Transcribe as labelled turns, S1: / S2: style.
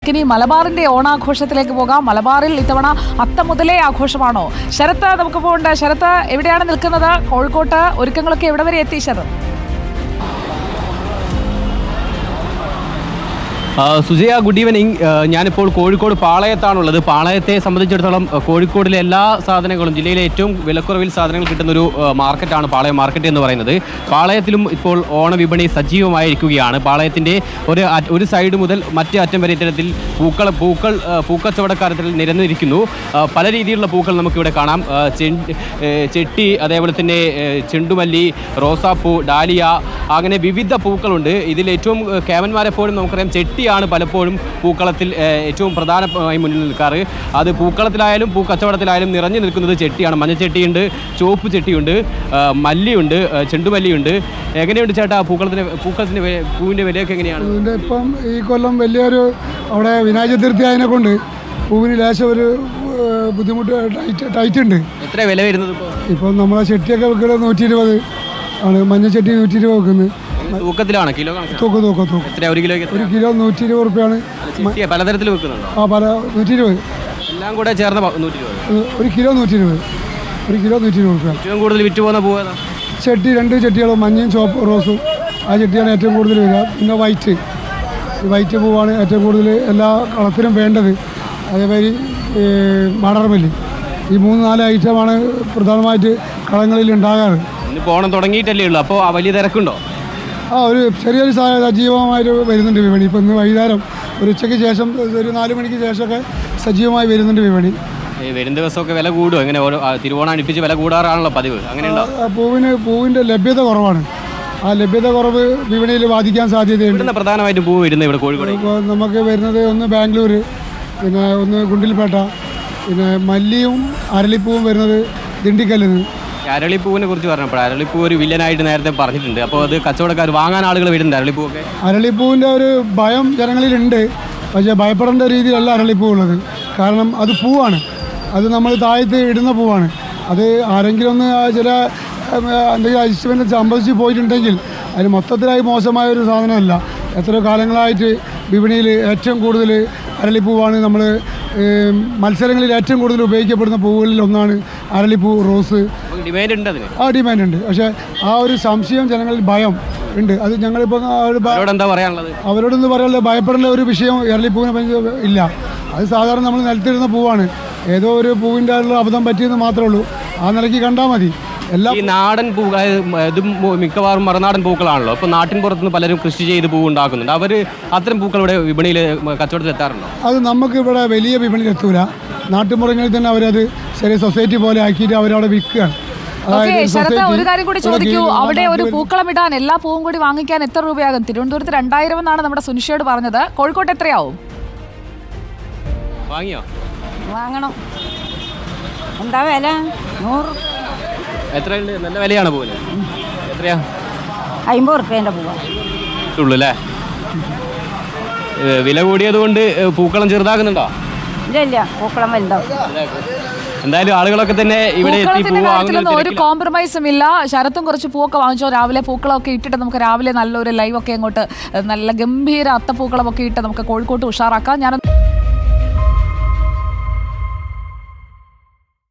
S1: ഇനി മലബാറിന്റെ ഓണാഘോഷത്തിലേക്ക് പോകാം. മലബാറിൽ ഇത്തവണ അത്തം മുതലേ ആഘോഷമാണോ? ശരത്ത് നമുക്ക് പോകണ്ട. ശരത്ത് എവിടെയാണ് നിൽക്കുന്നത്? കോഴിക്കോട്ട് ഒരുക്കങ്ങളൊക്കെ എവിടെ വരെ എത്തി ശരത്ത്?
S2: Sujaya, good evening. ഞാനിപ്പോൾ കോഴിക്കോട് പാളയത്താണുള്ളത്. പാളയത്തെ സംബന്ധിച്ചിടത്തോളം കോഴിക്കോടിലെ എല്ലാ സാധനങ്ങളും, ജില്ലയിലെ ഏറ്റവും വിലക്കുറവിൽ സാധനങ്ങൾ കിട്ടുന്നൊരു മാർക്കറ്റാണ് പാളയം മാർക്കറ്റ് എന്ന് പറയുന്നത്. പാളയത്തിലും ഇപ്പോൾ ഓണവിപണി സജീവമായിരിക്കുകയാണ്. പാളയത്തിൻ്റെ ഒരു സൈഡ് മുതൽ മറ്റേ അറ്റം വരെ ഇത്തരത്തിൽ പൂക്കച്ചവടക്കാരത്തിൽ നിരന്നിരിക്കുന്നു. പല രീതിയിലുള്ള പൂക്കൾ നമുക്കിവിടെ കാണാം. ചെട്ടി, അതേപോലെ തന്നെ ചെണ്ടുമല്ലി, റോസാപ്പൂ, ഡാലിയ, അങ്ങനെ വിവിധ പൂക്കളുണ്ട്. ഇതിൽ ഏറ്റവും കേമന്മാരെപ്പോഴും നമുക്കറിയാം ചെട്ടിയാണ് പലപ്പോഴും പൂക്കളത്തിൽ ഏറ്റവും പ്രധാനമായി മുന്നിൽ നിൽക്കാറ്. അത് പൂക്കളത്തിലായാലും പൂക്കച്ചവടത്തിലായാലും നിറഞ്ഞു നിൽക്കുന്നത് ചെട്ടിയാണ്. മഞ്ഞച്ചെട്ടിയുണ്ട്, ചുവപ്പ് ചെട്ടിയുണ്ട്, മല്ലിയുണ്ട്, ചെണ്ടുമല്ലിയുണ്ട്. എങ്ങനെയുണ്ട് ചേട്ടാ പൂക്കളത്തിൻ്റെ പൂവിൻ്റെ വിലയൊക്കെ എങ്ങനെയാണ്?
S3: ഇതിൻ്റെ ഇപ്പം ഈ കൊല്ലം വലിയൊരു അവിടെ വിനായക ചതുർത്ഥി ആയതിനെ കൊണ്ട് പൂവിന് ലേശം ഒരു ബുദ്ധിമുട്ട് ടൈറ്റ് ഉണ്ട്.
S2: എത്ര വില വരുന്നത്
S3: ഇപ്പം നമ്മളെ ചെട്ടിയൊക്കെ വെക്കുന്നത് 120 ആണ്. മഞ്ഞച്ചട്ടി 120 വെക്കുന്നത്.
S2: തൂക്കത്തിലാണ്? കിലോ
S3: തൂക്കം
S2: എത്ര? ഒരു കിലോ
S3: 120 റുപ്യാണ്.
S2: പലതരത്തിൽ വെക്കുന്നുണ്ടോ?
S3: പല 120
S2: എല്ലാം കൂടെ ചേർന്ന 120.
S3: ഒരു കിലോ 120 റുപ്യ.
S2: ഏറ്റവും കൂടുതൽ വിറ്റ് പോകുന്ന പൂവ് ഏതാ?
S3: ചെട്ടി, 2 ചെട്ടികളും, മഞ്ഞയും ചുവപ്പ് റോസും. ആ ചെട്ടിയാണ് ഏറ്റവും കൂടുതൽ വരിക. പിന്നെ വൈറ്റ് പൂവാണ് ഏറ്റവും കൂടുതൽ എല്ലാ കളത്തിനും വേണ്ടത്. അതേമാതിരി മടർമല്ലി. ഈ 3-4 ഐറ്റമാണ് പ്രധാനമായിട്ട് കളങ്ങളിൽ ഉണ്ടാകാറ്.
S2: ഇന്നിപ്പോൾ ഓണം തുടങ്ങിയിട്ടല്ലേ ഉള്ളൂ, അപ്പോൾ വലിയ തിരക്കുണ്ടോ?
S3: ഒരു ചെറിയൊരു സജീവമായിട്ട് വരുന്നുണ്ട് വിപണി. ഇപ്പം ഇന്ന് വൈകുന്നേരം ഒരു ഉച്ചയ്ക്ക് ശേഷം ഒരു 4 മണിക്ക് ശേഷമൊക്കെ സജീവമായി വരുന്നുണ്ട് വിപണി.
S2: വരും ദിവസമൊക്കെ വില കൂടും? എങ്ങനെ തിരുവോണം അടുപ്പിച്ച് വില കൂടാറാണല്ലോ പതിവ്, അങ്ങനെയുണ്ടോ?
S3: പൂവിൻ്റെ ലഭ്യത കുറവാണ്. ആ ലഭ്യത കുറവ് വിപണിയിൽ ബാധിക്കാൻ സാധ്യതയുണ്ട്.
S2: പ്രധാനമായിട്ടും പൂവ് വരുന്നത് ഇവിടെ കോഴിക്കോട്
S3: ഇപ്പോൾ നമുക്ക് വരുന്നത് ഒന്ന് ബാംഗ്ലൂർ, പിന്നെ ഒന്ന് ഗുണ്ടിൽപേട്ട, പിന്നെ മല്ലിയും അരളിപ്പൂവും വരുന്നത് ദിണ്ടിക്കല്ലിൽ നിന്ന്.
S2: അരളിപ്പൂവിനെ കുറിച്ച് പറഞ്ഞപ്പോൾ അരളിപ്പൂ ഒരു വില്ലനായിട്ട് നേരത്തെ പറഞ്ഞിട്ടുണ്ട്. അപ്പോൾ അത് കച്ചവടക്കാർ വാങ്ങാൻ ആളുകൾ വരുന്നുണ്ട് അരളിപ്പൂവൊക്കെ.
S3: അരളിപ്പൂവിൻ്റെ ഒരു ഭയം ജനങ്ങളിലുണ്ട്. പക്ഷേ ഭയപ്പെടേണ്ട രീതിയിലല്ല അരളിപ്പൂ ഉള്ളത്. കാരണം അത് പൂവാണ്. അത് നമ്മൾ താഴത്ത് ഇടുന്ന പൂവാണ്. അത് ആരെങ്കിലും ഒന്ന് ചില എന്തെങ്കിലും അഡ്ജസ്റ്റ്മെൻറ്റ് സംഭവിച്ച് പോയിട്ടുണ്ടെങ്കിൽ അതിന് മൊത്തത്തിലായി മോശമായ ഒരു സാധനമല്ല. എത്രയോ കാലങ്ങളായിട്ട് വിപണിയിൽ ഏറ്റവും കൂടുതൽ അരളിപ്പൂവാണ്. നമ്മൾ മത്സരങ്ങളിൽ ഏറ്റവും കൂടുതൽ ഉപയോഗിക്കപ്പെടുന്ന പൂവുകളിൽ ഒന്നാണ് അരളിപ്പൂ, റോസ്.
S2: ഡിമാൻഡ് ഉണ്ട് അതിന്.
S3: ഡിമാൻഡ് ഉണ്ട്. പക്ഷേ ആ ഒരു സംശയം ജനങ്ങളിൽ ഭയം ഉണ്ട്. അത് ഞങ്ങളിപ്പോൾ
S2: എന്താ പറയാനുള്ളത്?
S3: അവരോടൊന്ന് പറയാനുള്ളത്, ഭയപ്പെടേണ്ട ഒരു വിഷയം അരളിപ്പൂവിനെ ഇല്ല. അത് സാധാരണ നമ്മൾ നിലത്തിടുന്ന പൂവാണ്. ഏതോ ഒരു പൂവിൻ്റെ അബദ്ധം പറ്റിയെന്ന് മാത്രമേ ഉള്ളൂ. ആ നിലയ്ക്ക് കണ്ടാൽ മതി.
S2: ഈ നാടൻ പൂ, ഇതും മിക്കവാറും മറുനാടൻ പൂക്കളാണല്ലോ. അപ്പോൾ നാട്ടിൻ പുറത്തുനിന്ന് പലരും കൃഷി ചെയ്ത് പൂ ഉണ്ടാക്കുന്നുണ്ട്. അവർ അത്തരം പൂക്കൾ ഇവിടെ വിപണിയിൽ കച്ചവടത്തിൽ എത്താറുണ്ടോ?
S3: അത് നമുക്ക് ഇവിടെ വലിയ വിപണിയിൽ എത്തൂല. നാട്ടുമ്പുറങ്ങളിൽ തന്നെ അവരത് ചെറിയ സൊസൈറ്റി പോലെ ആക്കിയിട്ട് അവരവിടെ വിൽക്കുകയാണ്.
S1: ശരത്ത്, ഒരു കാര്യം കൂടി ചോദിക്കൂ. അവിടെ ഒരു പൂക്കളം ഇടാൻ എല്ലാ പൂവും കൂടി വാങ്ങിക്കാൻ എത്ര രൂപയാകും? തിരുവനന്തപുരത്ത് 2000 എന്നാണ് നമ്മുടെ സുനിഷയോട് പറഞ്ഞത്. കോഴിക്കോട്ട് എത്രയാവും?
S2: വാങ്ങിയോ?
S4: വാങ്ങണം. എന്താ വില? 100.
S2: എത്രയുണ്ട്? നല്ല വിലയാണ് പൂവിന്. എത്രയാ?
S4: 50 റുപ്യേൻ്റെ പൂവാ
S2: ഉള്ളൂ അല്ലേ? വില കൂടിയത് കൊണ്ട് പൂക്കളം ചെറുതാക്കുന്നുണ്ടോ?
S4: ഇല്ല, പൂക്കളം വലുതാവും.
S2: എന്തായാലും ആളുകളൊക്കെ തന്നെ ഇവിടെ
S1: ഒരു കോംപ്രമൈസും ഇല്ല. ശരത്തും കുറച്ച് പൂവൊക്കെ വാങ്ങിച്ചോ. രാവിലെ പൂക്കളമൊക്കെ ഇട്ടിട്ട് നമുക്ക് രാവിലെ നല്ലൊരു ലൈവൊക്കെ അങ്ങോട്ട് നല്ല ഗംഭീര അത്തപ്പൂക്കളമൊക്കെ ഇട്ട് നമുക്ക് കോഴിക്കോട്ട് ഉഷാറാക്കാം. ഞാനൊന്ന്